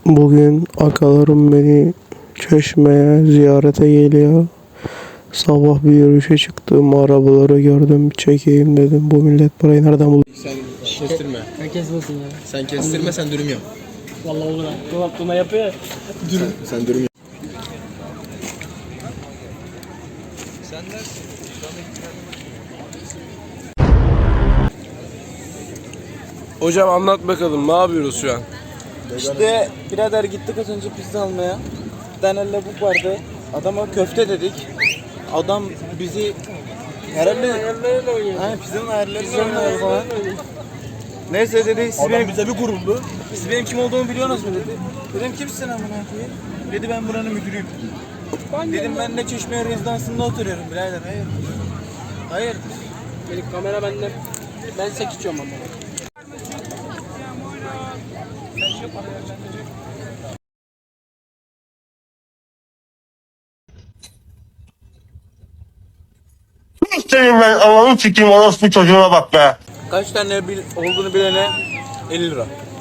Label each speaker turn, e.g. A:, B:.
A: Bugün akalarım beni Çeşme'ye ziyarete geliyor. Sabah bir yürüyüşe çıktım, arabaları gördüm, çekeyim dedim. Bu millet parayı nereden buldu?
B: Sen kestirme.
C: Sen kesmesin ya.
B: Sen kestirme, sen dürüm yap.
C: Vallahi olur ha. Dolaptığına yapıyor ya.
B: Sen dürüm yap.
D: Hocam anlat bakalım, ne yapıyoruz şu an?
E: İşte birader gittik az önce pizza almaya. Bir tane lavuk vardı. Adama köfte dedik. Adam bizi herhalde pizzanın ayarları falan. Neyse dedi siz bize bir kuruldu. Siz benim kim olduğumu biliyorsunuz mu dedi. Dedim kimsin amına koyayım? Dedi ben buranın müdürüyüm. Dedim ben de Çeşme rezidansında oturuyorum birader. Hayır. Hayır.
C: Benim kamera bende. Ben sek içiyorum ama.
F: Senin ben ananı sikeyim orospu çocuğuna bak be.
E: Kaç tane olduğunu bilene 50 lira.